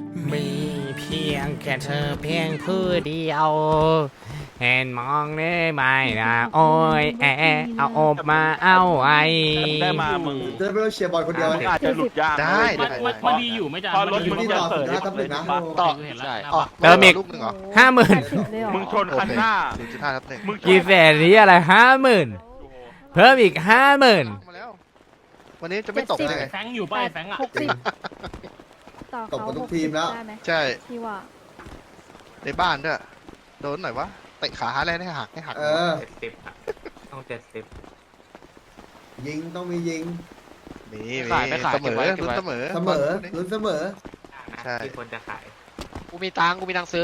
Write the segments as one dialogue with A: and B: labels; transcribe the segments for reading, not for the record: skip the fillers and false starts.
A: มีเพียงแค่เธอเพียงผู้เดียวเห็นมองได้ไหมนะโอ้ยเอาอบมาเอาไว้
B: ได้มามึง
C: จะไม่ต้องเชียร์บอลคนเดียว
B: มึงอาจจะหลุดยาก
D: ได้
E: มันดีอยู่ไม่จ้ะ
B: พอรถมึง
C: ที่
B: จะ
C: ต่อ
B: เปิ
C: สุ
B: ด
C: ดท้ายครับหนึ่งนะ
B: ต่อ
E: เห็นแล้ว
A: เติมอีก
D: ลูกหนึ่งเหรอ
A: 50,000
B: มึงชนคันหน้า
D: 0.5/1
B: มึง
A: กี่แสนนี้อะไร50,000เพิ่มอีก50,000
D: มาแล้ววันนี้จะไม่ตกได้ไง
E: แฟงอยู่ป่ะไอ้แฟงอ่ะ
F: ต่อ
C: ตก
F: เขา
C: กับทุกทีมแล้ว
F: ได้ไหม
D: ใช่
F: พี่ว่า
D: ในบ้านด้วยโดนหน่อยวะเตะขาหาอะไรให้หักให้หัก
C: เออ
A: 70อะต้อง70
C: ยิงต้องมียิง
D: มี
E: ไม่ขาย
D: เสม
E: เก็บ
D: อ
E: ไว้
D: ลุ้นเสมอ
C: เสมอลุ้นเสมอ
D: ใช่
A: ที่ควรจะขาย
G: กูมีตังค์ซื้อ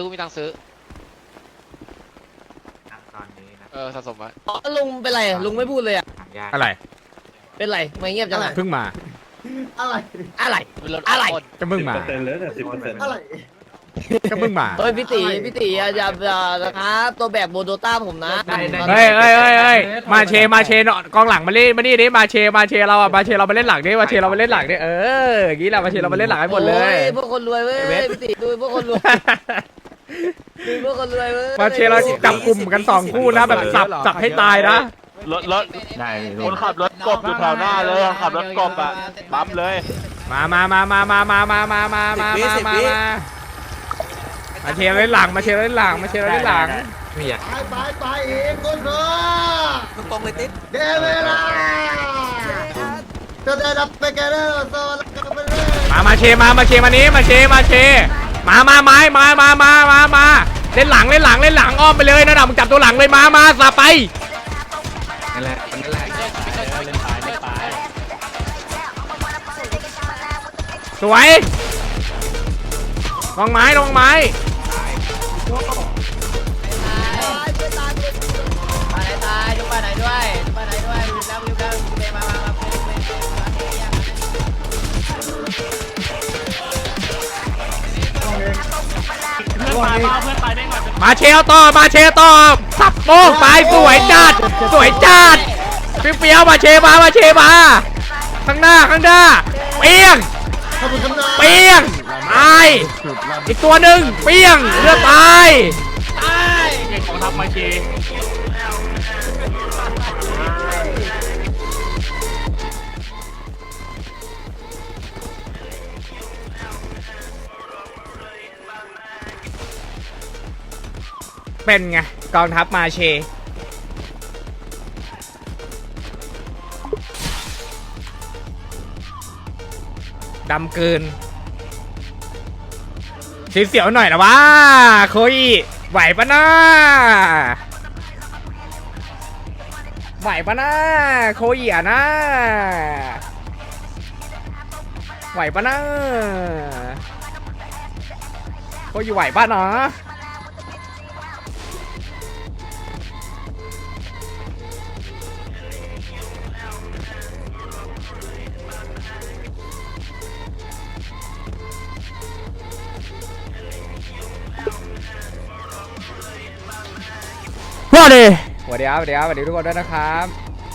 A: ตอนนี้นะ
G: สะสมไว้
H: ลุงเป็นไรอะลุงไม่พูดเลยอ่ะ
A: อะไร
H: เป็นไรไม่เงียบจังอะ
A: เพิ่งมา
C: อะไร
H: อะไร
G: เป็นรถ
H: อะไร
A: ก็เพิ่งมา
C: อะไร
A: ก็เพิ่งมา
H: เฮ้ยพี่ตีอย่านะครับตัวแบบโบโดต้าผมนะ
A: เฮ้ยมาเชเนาะกองหลังมาเล่นมานี่ดิมาเชเราอะมาเชเรามาเล่นหลังดิมาเชเรามาเล่นหลังดิอย่างงี้แหละมาเชเรามาเล่นหลังให้หมดเลย
H: โอ้พวกคนรวยเว้ยพี่ตีดูพวกคนรวยดูพวกคนรวยเว้ย
A: มาเชเราจับกลุ่มกัน2คู่นะแบบสับให้ตายนะ
B: รถคนขับรถกบอยู่แถวหน้าเลยขับรถกบอ่ะปั๊มเลย
A: มาเชเล่นหลังมาเชเล่นหลัง
C: ไปเองก็เถอะตรงเลยติ๊ดเดเวลาจะได้รับไปแกเด้อโซนกันไปเลย
A: มาเชมานี้มาเชมาเล่นหลังอ้อมไปเลยนะดำมึงจับตัวหลังเลยมาสับไปนั่นแหละสวยลงไม้
H: ไปไหนตายดูไปไหนด้วยลืมแล้วมา
E: เพื่อนตายบ้าเพื่อนตายได้ก่อน
A: มาเชลต่อสับโป้งไปสวยจัดเปรี้ยวมาเชมาข้างหน้าเปี้ยงตายอีกตัวหนึ่งเปี้ยงเลือดตาย
E: เก่งของทัพมาเช
A: เป็นไงกองทัพมาเชดำเกินเสียวๆหน่อยนะวะโคยไหวปะนะโคยอ่ะนะไหวปะนะโคยไหวปะนะสวัสดีทุกคนด้วยนะครับ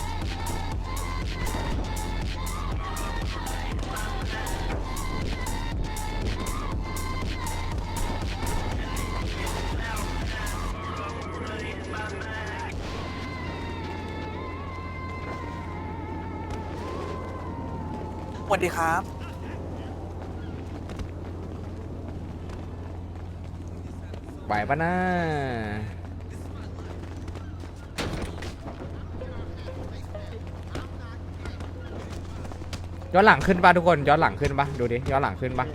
H: สวัสดีครับ
A: ไหวปะนะย้อนหลังขึ้นปะทุกคนย้อนหลังขึ้นปะดูดิย้อนหลังขึ้นปะ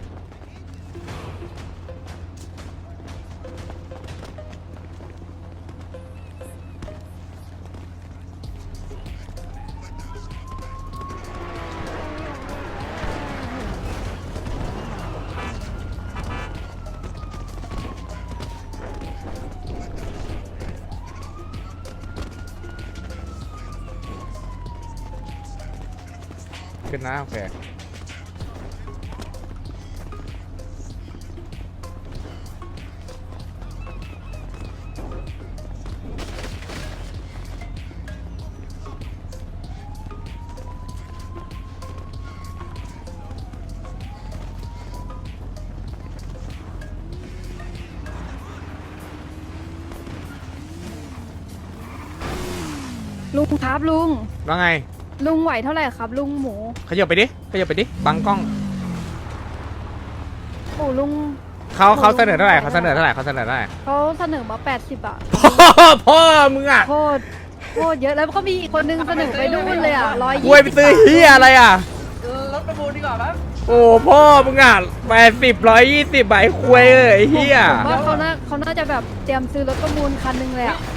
A: ขึ้นนะโอเค
C: เ
F: ลุงครับลุง
A: ว่าไง
F: ลุงไหวเท่าไหร่ครับ ลุงหมู
A: ขยับไปดิขยับไปดิบังกล้อง
F: โอ้ลุง
A: เขาเสนอเท่าไหร่เขาเสนอเท่าไหร่เขาเสนอเท่าไหร่
F: เขาเสนอมา80 อ่ะ
A: พ่อมึงอ่ะ
F: โคตรเยอะแล้วก็มีอีกคนนึงเสนอไปนู่นเลยอ่ะ120
A: กล้วยไปซื้อเฮียอะไรอ่ะ
H: รถประมูลดีกว่ามั้ง
A: โอ้พ่อมึงอ่ะ80 120ใบควยไอ้เฮีย
F: ผมว่าเขาน่าจะแบบเตรียมซื้อรถประมูลคันนึงเลยอ่ะ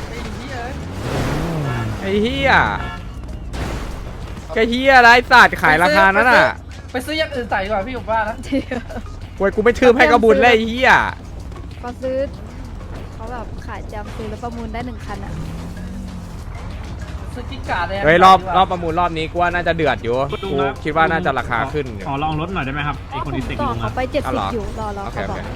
A: ไอ้เฮียแกเฮียอะไรสัตว์ขายราคานั้นอ่ะ
H: ไปซื้ออย่างอื่นใส่ดีกว่าพี่ผมว่านะ
A: ควยกูไม่ทืบให้กระบุญเลยไอ้เฮีย
F: เขาแบบขายเตรียมซื้อรถประมูลได้1 คันอ่ะ
H: ซื้อกิ๊กกาดเลย
A: เฮ้ยรอบประมูลรอบนี้กูว่าน่าจะเดือดอยู่กูคิดว่าน่าจะราคาขึ้นอยู่
E: ขอลองรถหน่อยได้ไหมครับไอคนที่ติด
F: ต่อ
E: ลุง
F: เขา
E: อะ
F: ไป
A: เอาเหรอ
F: 70อยู่รอ
A: โอเค
F: เขา
A: โอบ
F: อ
A: เค
F: ก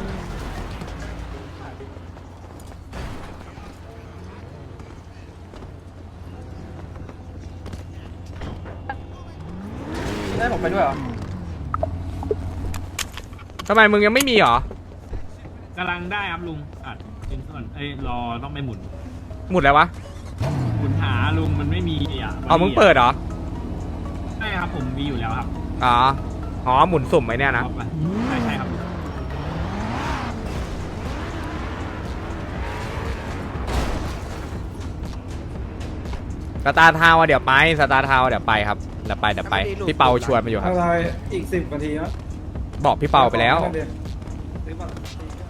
H: ได้ผมไปด้วยเหรอ
A: ทำไมมึงยังไม่มีเหรอ
E: กำลังได้ครับลุงอัดชิ้นส่วนรอต้องไปหมุน
A: หมุดแล้ววะ
E: หมุนหาลุงมันไม่มีอ่ะ
A: เอามึงเปิดเหรอ
E: ใช่ครับผมมีอยู่แล้วครับ
A: อ๋อหมุนสุ่มไว้เนี่ยนะ
E: ใช่ครับ
A: สตาร์ทาวน์อะเดี๋ยวไปสตาร์ทาวน์เดี๋ยวไปครับเดี๋ยวไปพี่เปาชวนมาอยู่ครับ
B: อะไรอีก10 นาทีนะ
A: บอกพี่เปาไปแล้ว